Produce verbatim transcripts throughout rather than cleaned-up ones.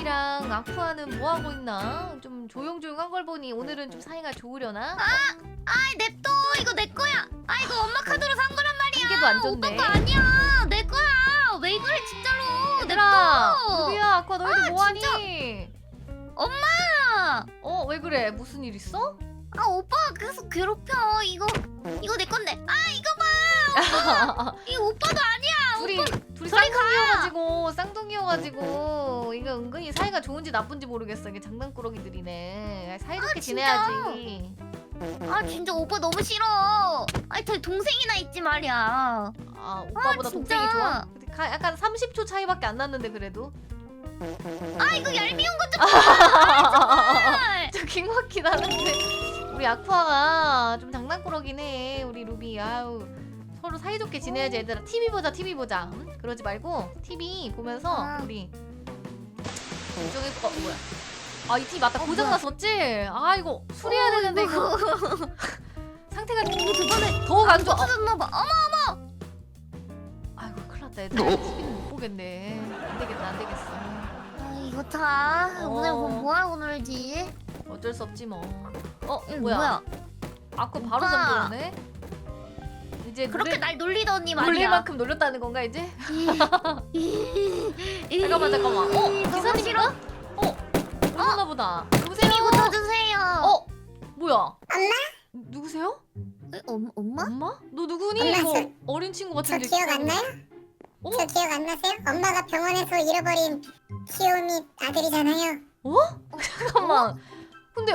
루비랑 아쿠아는 뭐 하고 있나? 좀 조용조용한 걸 보니 오늘은 좀 사이가 좋으려나? 아이 냅둬. 이거 내 거야. 아 이거 엄마 카드로 산 거란 말이야. 한 개도 안 오빠 줬네. 거 아니야. 내 거야. 왜 그래 진짜로. 얘들아, 냅둬. 루비야, 아쿠아 너희들 아, 뭐하니? 엄마. 어, 왜 그래? 무슨 일 있어? 아 오빠가 계속 괴롭혀. 이거 이거 내 건데. 아 이거 봐. 이거 오빠도 아니야. 둘이 오빠. 둘이 저리 가. 쌍둥이여가지고 쌍둥이여가지고 이거 은근히 사이가 좋은지 나쁜지 모르겠어. 이게 장난꾸러기들이네. 사이좋게 아, 진짜? 지내야지. 아 진짜 오빠 너무 싫어. 아니 저 동생이나 있지 말이야. 아, 오빠보다 아, 동생이 진짜. 좋아? 근데 가- 약간 삼십 초 차이밖에 안 났는데 그래도. 아 이거 얄미운 것 좀 봐. 저 킹받긴 하는데 우리 아쿠아가 좀 장난꾸러긴 해. 우리 루비. 아우, 서로 사이좋게 지내야지. 얘들아, 티비 보자. 티비 보자. 응? 그러지 말고 티비 보면서 아. 우리 이쪽에 어 뭐야? 아, 이 티비 맞다. 어, 고장 뭐야? 났었지? 아, 이거 수리해야 되는데 이거 상태가 이거 저번에 더욱 안 좋아. 어, 터졌나봐. 어머. 아이고, 큰일 났다. 얘들아, 티비는 못 보겠네. 안 되겠다. 안 되겠어. 아 이거 다 어. 오늘 뭐 뭐하고 놀지? 어쩔 수 없지 뭐. 어, 이거 뭐야? 뭐야? 아쿠아 바로 오빠. 잠들었네. 이제 그렇게 놀릴, 날 놀리더니 놀릴 말이야. 만큼 놀렸다는 건가 이제? 잠깐만 잠깐만, 잠깐만. 어, 기사님인가? 싫어? 어, 오셨나 보다. 누구세요? 이거 주세요. 어, 뭐야? 엄마? 누구세요? 에, 엄, 엄마? 엄마? 너 누구니? 엄마, 저 저- 어린 친구 저 같은데. 기억 안 나요? 어? 저 기억 안 나세요? 엄마가 병원에서 잃어버린 키오미 아들이잖아요. 잠깐만. 근데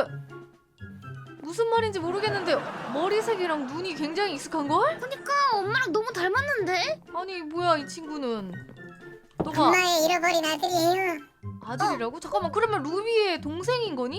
무슨 말인지 모르겠는데 머리색이랑 눈이 굉장히 익숙한 걸? 그니까 엄마랑 너무 닮았는데? 아니, 뭐야 이 친구는? 너가 엄마의 잃어버린 아들이에요. 아들이라고? 잠깐만, 그러면 루비의 동생인 거니?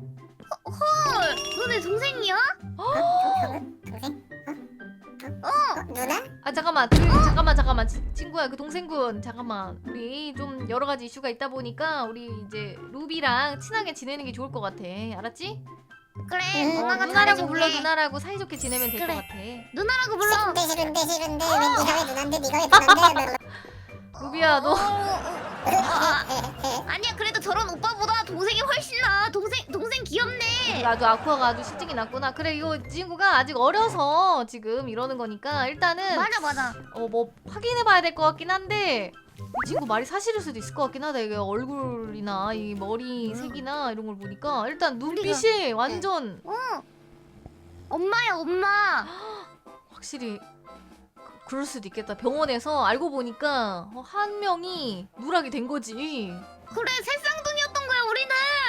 헐, 너 내 동생이야? 어? 동- 동생? 어? 어? 어? 누나? 아, 잠깐만, 그, 잠깐만, 잠깐만, 치- 친구야, 그 동생분, 잠깐만, 우리 좀 여러 가지 이슈가 있다 보니까 우리 이제 루비랑 친하게 지내는 게 좋을 것 같아, 알았지? 그래, 음, 어, 누나가 누나라고 잘해줄게. 불러, 누나라고 사이좋게 지내면 될 것 그래. 같아. 누나라고 불러. 싫은데 싫은데 싫은데 왜 네가 왜 누난데 네가 왜 누난데? 루비야, 너 어, 어, 어. 아니야, 그래도 저런 오빠보다 동생이 훨씬 나. 동생, 동생 귀엽네. 나도 아쿠아가 아주 실증이 났구나. 그래, 이거 이 친구가 아직 어려서 지금 이러는 거니까 일단은 맞아, 맞아. 어 뭐 확인해봐야 될 것 같긴 한데 이 친구 말이 사실일 수도 있을 것 같긴 하다. 이게 얼굴이나 이 머리 색이나 이런 걸 보니까 일단 눈빛이 완전 어. 엄마야, 엄마. 확실히 그- 그럴 수도 있겠다. 병원에서 알고 보니까 어, 한 명이 누락이 된 거지. 그래, 새쌍둥이였던 거야, 우리는.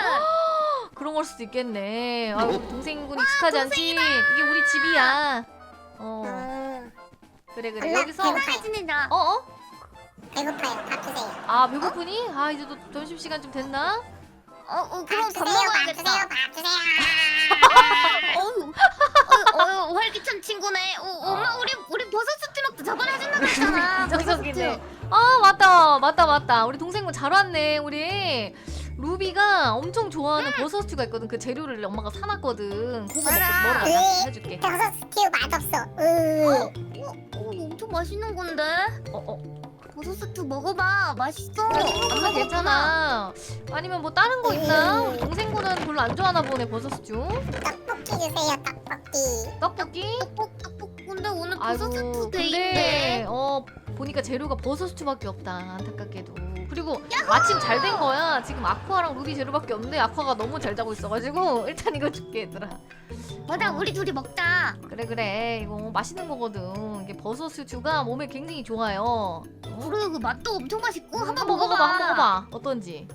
그런 걸 수도 있겠네. 아, 우리 동생군 익숙하지 않지? 이게 우리 집이야. 어, 어, 그래 그래. 엄마, 여기서 배고파요. 편하게 지내자. 어 어? 배고파요. 밥 주세요. 아, 배고프니? 아, 이제 또 점심 시간 좀 됐나? 어, 어, 그럼 밥 밥 주세요. 밥 먹어야겠다. 주세요. 밥 주세요. 어휴, 어, 어, 활기찬 친구네. 어, 엄마, 우리 우리 버섯 스튜 먹자. 저번에 해준다고 했잖아. 버섯 이정석이네. 스튜. 아, 맞다, 맞다, 맞다. 우리 동생분 잘 왔네. 우리 루비가 엄청 좋아하는 버섯 스튜가 있거든. 그 재료를 엄마가 사놨거든. 그거 먹고 알아. 먹으러 가자. 해줄게. 버섯 스튜 맛없어. 으. 어, 어, 엄청 맛있는 건데. 어, 어. 버섯 스튜 먹어봐. 맛있어. 그래, 안 생각보다 먹었구나. 괜찮아. 아니면 뭐 다른 거 있나? 우리 동생분은 별로 안 좋아하나 보네, 버섯 스튜. 떡볶이 주세요. 떡볶이. 떡볶이? 떡볶 떡볶. 근데 오늘 버섯 아이고, 스튜 근데 데이인데. 어 보니까 재료가 버섯 스튜밖에 없다. 안타깝게도. 그리고 마침 잘 된 거야. 지금 아쿠아랑 루비 재료밖에 없는데 아쿠아가 너무 잘 자고 있어가지고 일단 이거 줄게, 얘들아. 맞아, 어. 우리 둘이 먹자. 그래 그래, 이거 맛있는 거거든. 이게 버섯 스튜가 몸에 굉장히 좋아요. 어? 그리고 그 맛도 엄청 맛있고 한번 한번 먹어봐, 먹어봐. 한번 먹어봐. 어떤지.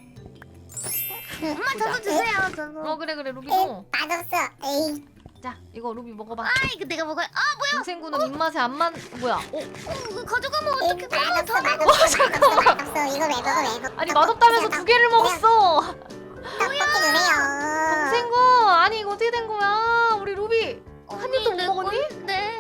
엄마 저도 주세요. 저도. 어, 그래 그래, 에이, 루비도. 맛없어. 에이. 자, 이거 루비 먹어봐. 아, 이거 내가 먹어야. 아, 동생분은 입맛에 안 맞. 뭐야? 어? 어, 이거 가져가면 에이, 어떻게 가져? 맛없어. 맛없어. 맛없어. 맛없어. 이거 왜 먹어? 왜 먹어? 아니, 맛없다면서 두 개를 먹었어. 떡볶이 주세요. 동생군, 아니 이거 어떻게 된 거야? 우리 루비 한 입도 못 먹었니? 네.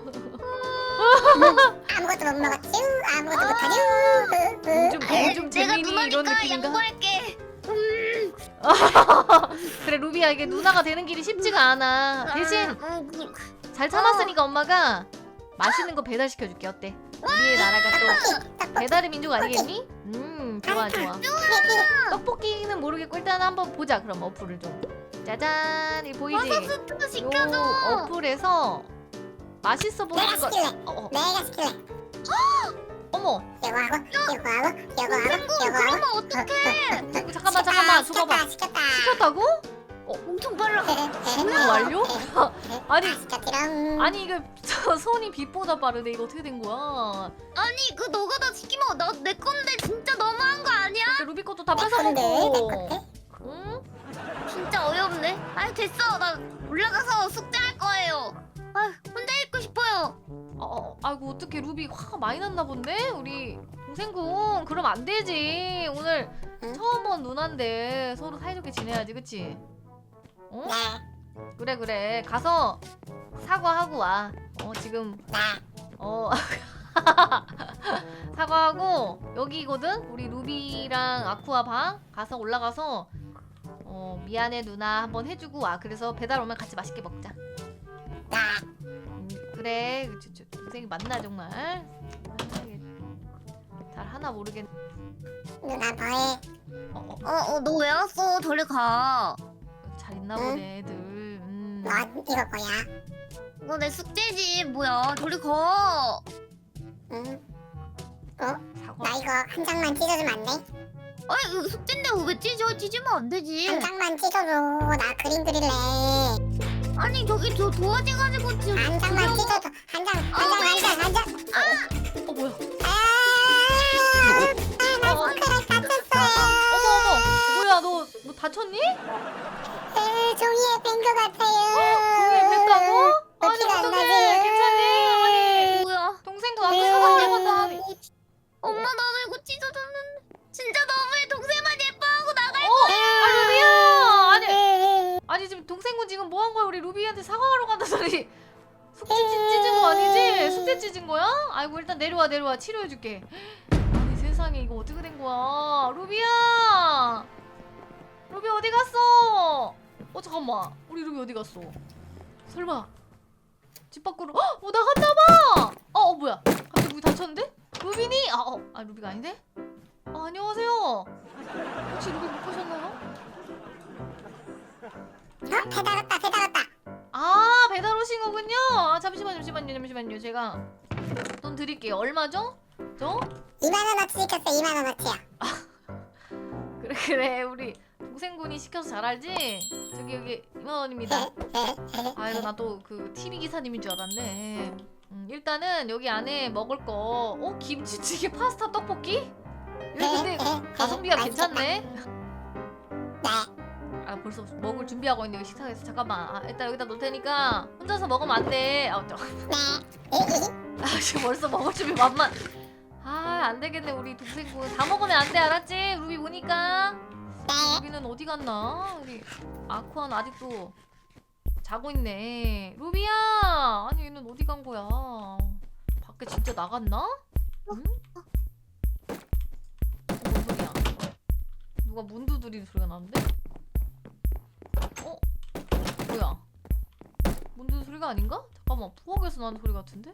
아무것도 못 먹었쥬. 아무것도 못하쥬. 요즘 아, 요즘 내가 재민이 이런 누나니까 느낌인가? 양보할게. 음. 그래, 루비야, 이게 누나가 되는 길이 쉽지가 않아. 대신 아, 음, 그, 잘 참았으니까 엄마가 맛있는 거 배달시켜줄게. 어때? 우리의 나라가 또 떡볶이. 배달의 민족 아니겠니? 음 좋아 좋아. 떡볶이는 모르겠고 일단 한번 보자. 그럼 어플을 좀. 짜잔, 이 보이지? 버섯스프 요 시켜줘. 어플에서 맛있어 보이는 내가 거. 시킬래. 어, 어. 내가 시킬래. 어머, 이거 하고 이거 하고 이거 하고 이거 그러면 하고. 어떡해? 잠깐만 잠깐만 줘봐봐. 시켰다 시켰다. 시켰다고? 엄청 빨라. 뭐야 완료? 아니 시켰지롱. 아니 이거 저 손이 빛보다 빠르네. 이거 어떻게 된 거야? 아니 그 너가 다 시키면 나 내 건데 진짜 너무한 거 아니야? 이렇게 루비 것도 다 내 뺏어 건데 내 먹고. 건데. 응? 진짜 어이없네. 아니 됐어. 나 올라가서 숙제할 거예요. 아 혼자 있고 싶어요. 어, 어, 아이고 어떻게 루비 화가 많이 났나 본데? 우리 동생군 그럼 안 되지. 오늘 응? 처음 온 누나인데 서로 사이좋게 지내야지, 그치? 어? 네. 그래 그래 가서 사과하고 와. 어 지금 네. 어 사과하고 여기거든. 우리 루비랑 아쿠아 방 가서 올라가서 어 미안해 누나 한번 해주고 와. 그래서 배달 오면 같이 맛있게 먹자. 네. 음, 그래 저, 저, 동생이 맞나 정말. 아, 이게 잘 하나 모르겠. 누나 뭐해? 어, 어, 어 어 너 왜 왔어? 저리 가. 잘 있나 보네 애들. 음. 뭐 이거 뭐야? 이거 내 숙제지 뭐야? 저리 가. 응. 사과. 나 이거 한 장만 찢어주면 안 돼? 아니 이거 숙제인데 왜 찢어? 찢으면 안 되지. 한 장만 찢어줘. 나 그림 그릴래. 아니 저기 저 도와줘가지고 지금. 한 장만 그려. 찢어줘. 한 장, 한 장, 한 장, 한 장. 어 뭐야? 아, 아, 나 손가락 다쳤어요. 어머 어머 뭐야 너 너 다쳤니? 에, 종이에 뺀 것 같아요. 종이에 뺐다고? 나 아니, 피가 안 어떡해. 나지? 괜찮니? 뭐야? 동생도 아까 사과 때마다 하니. 엄마 나도 이거 찢어줬는데 진짜 너무해. 동생만 예뻐하고 나갈 어? 아 루비야! 아니 네. 아니 지금 동생분 지금 뭐 한 거야? 우리 루비한테 사과하러 간다더니 숙제 찢- 찢은 거 아니지? 숙제 찢은 거야? 아이고 일단 내려와 내려와 치료해줄게. 아니 세상에 이거 어떻게 된 거야? 루비야! 루비 어디 갔어? 어 잠깐만 우리 루비 어디 갔어? 설마 집 밖으로 헉! 어 나갔나봐! 어, 어 뭐야 갑자기 문이 닫혔는데? 루비니? 아, 어, 아 루비가 아닌데? 아, 안녕하세요. 혹시 루비 못 보셨나요? 어? 배달 왔다, 배달 왔다. 아 배달 오신 거군요. 아, 잠시만요 잠시만요 잠시만요 제가 돈 드릴게요. 얼마죠? 저? 이만 원어치 시켰어, 이만 원어치야. 그래 그래 우리 동생분이 시켜서 잘 알지? 저기 여기 이만 원입니다. 아이고 나 또 그 티비 기사님인 줄 알았네. 음, 일단은 여기 안에 먹을 거 어? 김치찌개 파스타 떡볶이? 이거 근데 가성비가 괜찮네. 네. 아 벌써 먹을 준비하고 있는데 식탁에서 잠깐만 아, 일단 여기다 놓을 테니까 혼자서 먹으면 안돼. 아, 저, 네. 아 지금 벌써 먹을 준비 만만. 아 안되겠네 우리 동생분 다 먹으면 안돼 알았지? 루비 보니까. 네. 루비는 어디 갔나? 우리 아쿠아는 아직도 자고 있네. 루비야 아니 얘는 어디 간 거야? 밖에 진짜 나갔나? 응? 뭔 소리야? 누가 문 두드리는 소리가 나는데? 어? 뭐야? 문 두드리는 소리가 아닌가? 잠깐만 부엌에서 나는 소리 같은데?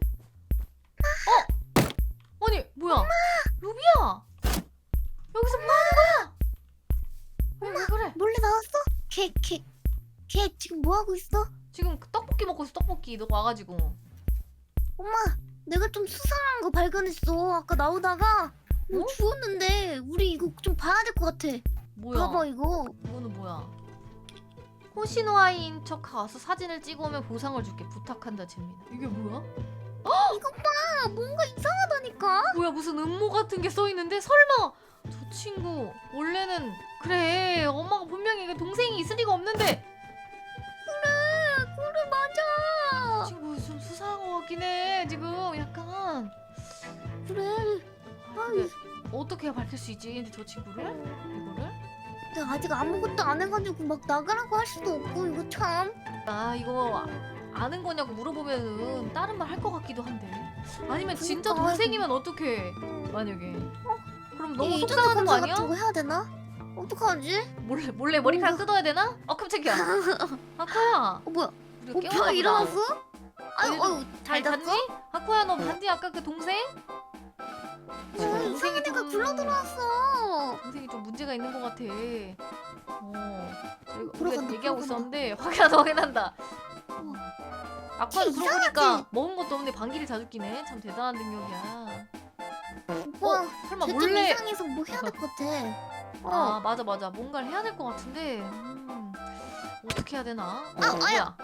어? 아니 뭐야? 루비야! 여기서 뭐 하는 거야? 왜, 왜 그래? 몰래 나왔어? 걔 걔 걔 지금 뭐 하고 있어? 지금 그 떡볶이 먹고 있어 떡볶이 너 와가지고. 엄마 내가 좀 수상한 거 발견했어. 아까 나오다가 뭐 어? 주웠는데 우리 이거 좀 봐야 될 것 같아. 뭐야? 봐봐 이거. 이거는 뭐야? 호시노아이인 척 와서 사진을 찍어오면 보상을 줄게 부탁한다 잼민아. 이게 뭐야? 이거 봐 뭔가 이상하다니까. 뭐야 무슨 음모 같은 게 써있는데 설마 저 친구 원래는 그래 엄마가 분명히 이게 동생이 있을 리가 없는데 그래 그래 맞아. 친구 좀 수상한 것 같긴 해 지금 약간. 그래. 아, 근데 어떻게 밝힐 수 있지 근데 저 친구를? 이거를? 내가 아직 아무것도 안 해가지고 막 나가라고 할 수도 없고 이거 참. 나 이거 아는 거냐고 물어보면은 다른 말 할 것 같기도 한데 아니면 진짜 그러니까. 동생이면 어떡해 만약에 그럼 너무 이 속상한 거 검사 아니야? 같은 거 해야 되나? 어떡하지? 몰래 몰래 머리카락 뭔가- 뜯어야 되나? 어 깜짝이야 아까야 어 뭐야? 우리가 오빠 깨웠나 일어났어? 아유 얘도 어유 잘 잤니? 잤어? 아쿠야 너 봤니 아까 그 동생? 지금 어, 동생이 이상한 애가 좀 굴러 들어왔어. 동생이 좀 문제가 있는 것 같아. 어, 저희가 들어간다, 우리가 얘기하고 들어간다. 있었는데 확인한다 확인한다. 어. 아쿠아도 걔 그러고 보니까 이상하지? 먹은 것도 없는데 방귀를 자주 끼네. 참 대단한 능력이야. 오빠 어, 설마 쟤좀 몰래? 이상해서 뭐 해야 될 것 같아. 어. 아 맞아 맞아 뭔가를 해야 될 것 같은데 음, 어떻게 해야 되나? 어, 아, 뭐야?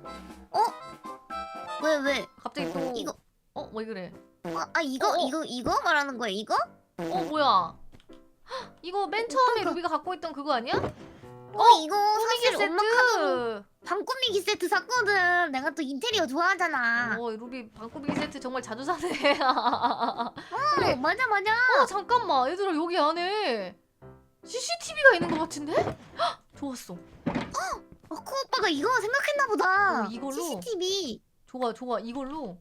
왜 왜? 갑자기 또 이거 어? 왜 그래? 아, 아 이거 어, 어. 이거 이거 말하는 거야 이거? 어 뭐야? 헉, 이거 맨 처음에 어떡해. 루비가 갖고 있던 그거 아니야? 어, 이거 꾸미기 사실 엄마 카드로 세트! 방 꾸미기 세트 샀거든. 내가 또 인테리어 좋아하잖아. 어 루비 방꾸미기 세트 정말 자주 사네. 어, 그래. 맞아 맞아. 어 잠깐만 얘들아 여기 안에 씨씨티비가 있는 것 같은데? 헉, 좋았어. 어, 코 오빠가 이거 생각했나 보다. 어, 이걸로? 씨씨티비. 좋아 좋아 이걸로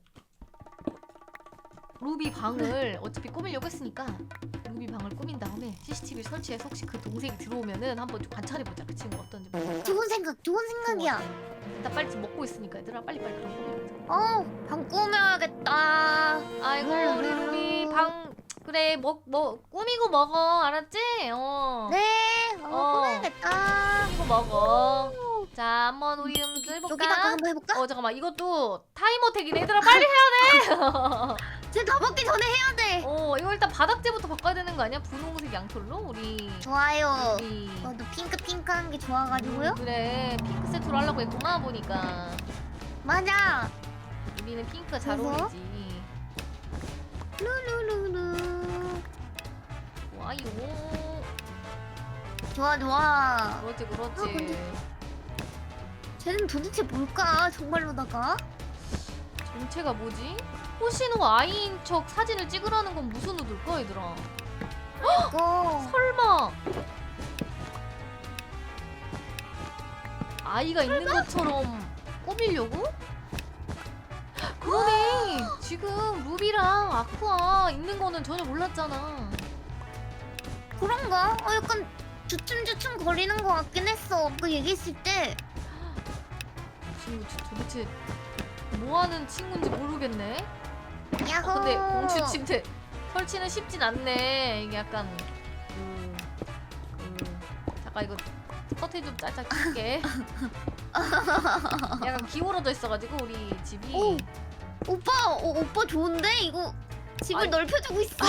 루비 방을 어차피 꾸미려고 했으니까 루비 방을 꾸민 다음에 씨씨티비 설치해서 혹시 그 동생이 들어오면은 한번 좀 관찰해보자. 그 친구 어떤지. 뭐. 좋은 생각, 좋은 생각이야. 일단 빨리 지금 먹고 있으니까 얘들아 빨리 빨리 좀 꾸미자. 어, 방 꾸며야겠다. 아이고 음. 우리 루비 방 그래 뭐 뭐 꾸미고 먹어 알았지? 어 네, 어, 어. 꾸며야겠다. 꾸미고 먹어. 자 한번 우리 좀 여기다가 해볼까? 한번 해볼까? 어 잠깐만 이것도 타이머택이네. 얘들아 빨리 해야 돼. 쟤다 먹기 전에 해야 돼. 어 이거 일단 바닥재부터 바꿔야 되는 거 아니야? 분홍색 양털로 우리 좋아요. 우리 저도 핑크 핑크한 게 좋아가지고요. 그래 핑크 세트로 하려고 했구나 보니까. 맞아. 우리는 핑크 잘 그래서? 어울리지. 루루루루. 좋아요. 좋아 좋아. 그렇지 아, 그렇지. 근데- 쟤는 도대체 뭘까? 정말로다가? 정체가 뭐지? 호시노 아이인 척 사진을 찍으라는 건 무슨 의도일까 얘들아? 이거 설마 아이가 있는 것처럼 꾸미려고? 그러네. 지금 루비랑 아쿠아 있는 거는 전혀 몰랐잖아. 그런가? 어 약간 주춤주춤 거리는 것 같긴 했어. 그 얘기했을 때. 친구 도- 도대체 뭐 하는 친구인지 모르겠네. 야호. 아, 근데 공주 침대 설치는 쉽진 않네. 이게 약간 그, 그 잠깐 이거 커튼 좀 짤짤 낄게. 약간 기울어져 있어가지고 우리 집이. 오. 오빠, 어, 오빠 좋은데? 이거 집을 아니. 넓혀주고 있어.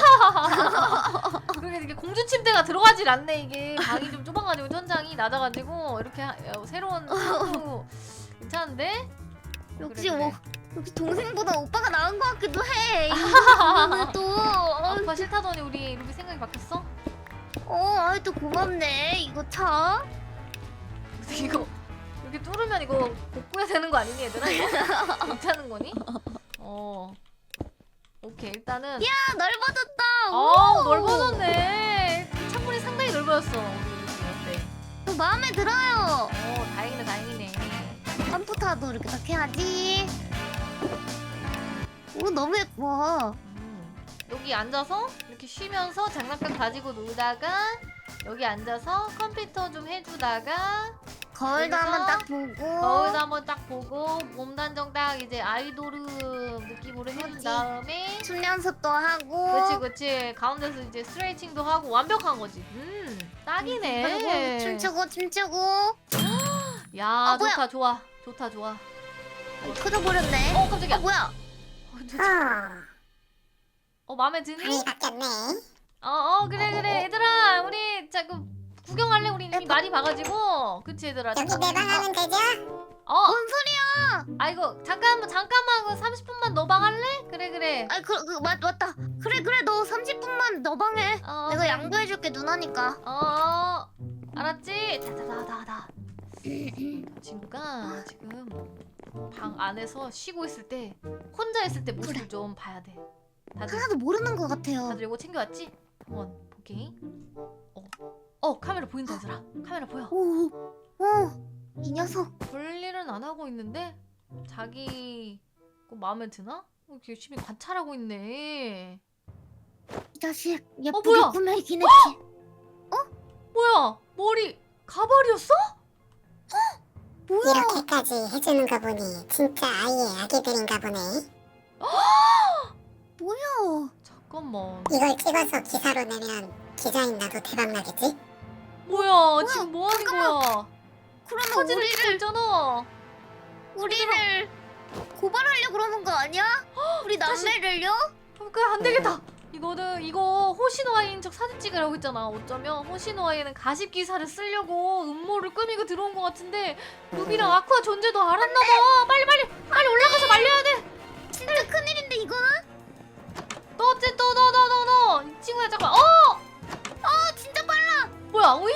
그러게 이게 공주 침대가 들어가질 않네. 이게 방이 좀 좁아가지고 천장이 낮아가지고 이렇게 하, 어, 새로운 친구 괜찮은데? 역시 그래, 뭐 그래. 역시 동생보다 오빠가 나은 것 같기도 해. 이거는 또. 어, 아쿠아 싫다더니 우리 루비 생각이 바뀌었어? 어, 아이 또 고맙네. 이거 참. 이거 이렇게 뚫으면 이거 복구해야 되는 거 아니니 얘들아? 이거? 괜찮은 거니? 어 오케이 일단은 야, 넓어졌다. 어 오. 넓어졌네. 창문이 상당히 넓어졌어. 우리 루비 어때? 저 마음에 들어요. 어 다행이네 다행이네. 컴퓨터도 이렇게 딱 해야지. 오, 너무 예뻐. 음, 여기 앉아서 이렇게 쉬면서 장난감 가지고 놀다가 여기 앉아서 컴퓨터 좀 해주다가 거울도 여기서 한번 딱 보고. 거울도 한번 딱 보고 몸 단정 딱 이제 아이돌 느낌으로 해준 그치. 다음에 춤 연습도 하고. 그치 그치 가운데서 이제 스트레칭도 하고 완벽한 거지. 음 딱이네. 그리고 춤추고 춤추고. 야 아, 뭐야? 좋다 좋아 좋다 좋아. 터져버렸네. 어 깜짝이야. 어, 뭐야? 어, 저- 어, 어 마음에 드니? 방이 바뀌었네. 어어 그래 그래 얘들아 우리 자그 구경할래? 우리 이미 많이 봐가지고 그치 얘들아. 여기 내 방 하면 되죠? 어 뭔 소리야? 아이고 잠깐만 잠깐만 그 삼십 분만 너 방 할래? 그래 그래. 아이 그, 그 맞, 맞다. 그래 그래 너 삼십 분만 너 방해. 어, 내가 그래. 양보해줄게 누나니까. 어 알았지? 자자자자자. 친구가 지금 방 안에서 쉬고 있을 때 혼자 있을 때 모습을 그래. 좀 봐야 돼. 다들 하나도 모르는 것 같아요. 다들 이거 챙겨왔지? 한번 볼게. 어, 어 카메라 보인다 얘들아. 카메라 보여. 오, 오, 이 녀석. 별일은 안 하고 있는데 자기 거 마음에 드나? 어, 이렇게 열심히 관찰하고 있네. 이 자식 어, 예쁘게 뭐야? 꾸며있긴 했지. 뭐야? 머리 가발이었어? 뭐야? 이렇게까지 해주는 거 보니 진짜 아예 아기들인가 보네. 뭐야? 잠깐만. 이걸 찍어서 기사로 내면 기자인 나도 대박 나겠지? 뭐야 지금 뭐 하는 거야? 그러면 사진을 찍고 우리를 있잖아. 우리를 고발하려 그러는 거 아니야? 우리 다시- 남매를요? 그안 되겠다. 이거는 이거 호시노아이인 척 사진 찍으라고 했잖아. 어쩌면 호시노아이는 가십 기사를 쓰려고 음모를 꾸미고 들어온 것 같은데 루비랑 아쿠아 존재도 알았나봐. 빨리 빨리 빨리 올라가서 말려야 돼. 진짜 큰일인데 이거는? 너 어째 또너너너너 이 친구야 잠깐. 어 어 진짜 빨라. 뭐야 오잉?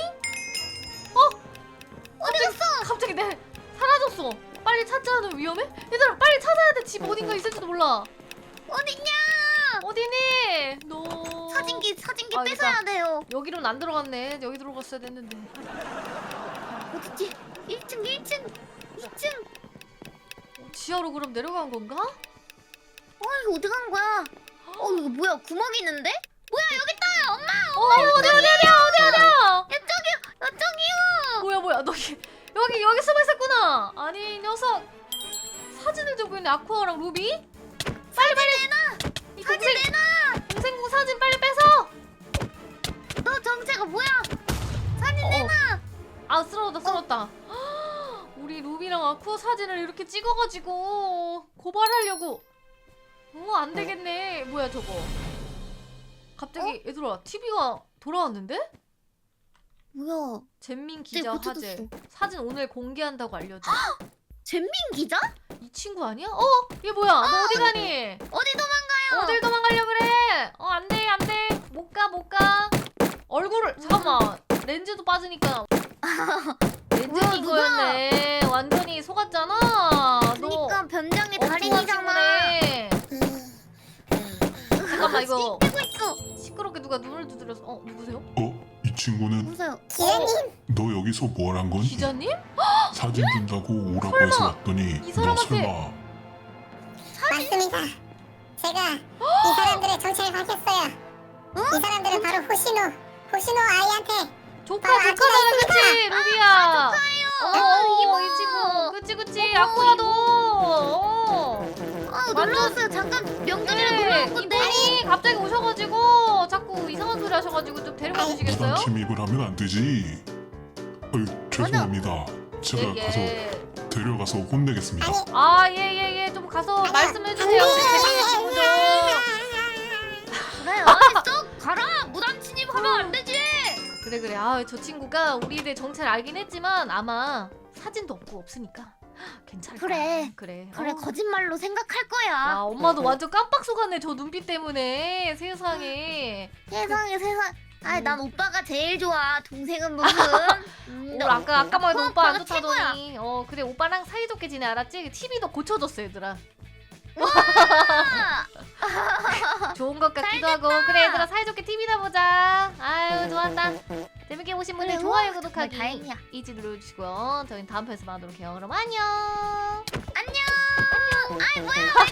어디 갔어? 갑자기 내 사라졌어. 빨리 찾자는 위험해? 얘들아 빨리 찾아야 돼. 집 어딘가 있을지도 몰라. 어딨냐? 어디니? 너 사진기 사진기 아, 뺏어야 돼요. 여기로는 안 들어갔네. 여기 들어갔어야 됐는데. 어딨지? 일 층 일 층 이 층. 어, 지하로 그럼 내려간 건가? 어 이거 어디 간 거야? 어 이거 뭐야 구멍이 있는데? 뭐야 여기 있다 엄마. 어 어디 어디 어디야 어디 어디야? 이쪽이요 이쪽이요. 뭐야 뭐야 너 여기 여기 여기 숨어 있었구나. 아니 이 녀석 사진을 들고 있네. 아쿠아랑 루비. 빨리 빨리 내놔. 이 사진 동생 내놔. 동생공 사진 빨리 뺏어. 너 정체가 뭐야? 사진 어, 어. 내놔. 아 쓰러졌다 쓰러졌다. 우리 루비랑 아쿠아 사진을 이렇게 찍어가지고 고발하려고. 어 안 되겠네. 뭐야 저거. 갑자기 얘들아 티비가 돌아왔는데? 뭐야? 잼민 기자 네, 화제. 고쳐졌어. 사진 오늘 공개한다고 알려줘. 잼민 기자? 이 친구 아니야? 어? 얘 뭐야? 너 어디 가니? 어디 도망가요? 어딜 도망가려 그래? 어, 안 돼, 안 돼. 못 가, 못 가. 얼굴을 잠깐만. 렌즈도 빠지니까. 렌즈 뭐야, 낀 거였네. 완전히 속았잖아. 그러니까 변장의 너 엉뚱한 달인이잖아. 친구네. 잠깐만 이거 찍고 있어. 시끄럽게 누가 눈을 두드려서. 어, 누구세요? 어? 이 친구는 보세요. 기자님 너 여기서 뭘 한 거니? 기자님? 사진 준다고 오라고 설마 해서 왔더니 이 너 사람한테- 설마 맞습니다. 제가 이 사람들의 정체를 밝혔어요. 이 사람들은 바로 호시노 호시노 아이한테 조카, 아, 조카잖아, 아기가 그치? 루비야. 어, 아, 이모. 이 친구. 그치, 그치. 어머, 아쿠아도. 어. 아 완전- 놀러 왔어요. 잠깐 명절이라 네, 놀러 온 건데. 이분이 갑자기 오셔가지고 자꾸 이상한 소리 하셔가지고 좀 데려가 아이, 주시겠어요? 부당 침입을 하면 안 되지. 어이, 죄송합니다. 제가 예, 가서 예. 데려가서 혼내겠습니다. 아니 아, 예, 예, 예. 좀 가서 말씀해주세요. 우리 재민이 친구 좀. 그래 아이 쏙 가라. 무단 침입하면 안 되지. 그래, 그래. 아, 저 친구가 우리들 정체를 알긴 했지만 아마 사진도 없고 없으니까 괜찮을 거야. 그래. 그래. 그래 어. 거짓말로 생각할 아, 거야. 엄마도 완전 깜빡 속았네. 저 눈빛 때문에. 세상에. 세상에 세상. 아이 난 오빠가 제일 좋아. 동생은 무슨. 음, 오늘 너- 아까 아까만 해도 어, 오빠 안 오빠가 최고야. 좋다더니. 어, 그래. 오빠랑 사이좋게 지내. 알았지? 티비도 고쳐줬어, 얘들아. 좋은 것 같기도 하고. 그래, 얘들아 사이좋게 티비나 보자. 아유, 좋았다. 재밌게 보신 분들 그래, 좋아요, 우와, 구독하기 정말 다행이야. 잊지 눌러주시고요. 저희는 다음 편에서 만나도록 해요. 그럼 안녕. 안녕. 아이 뭐야?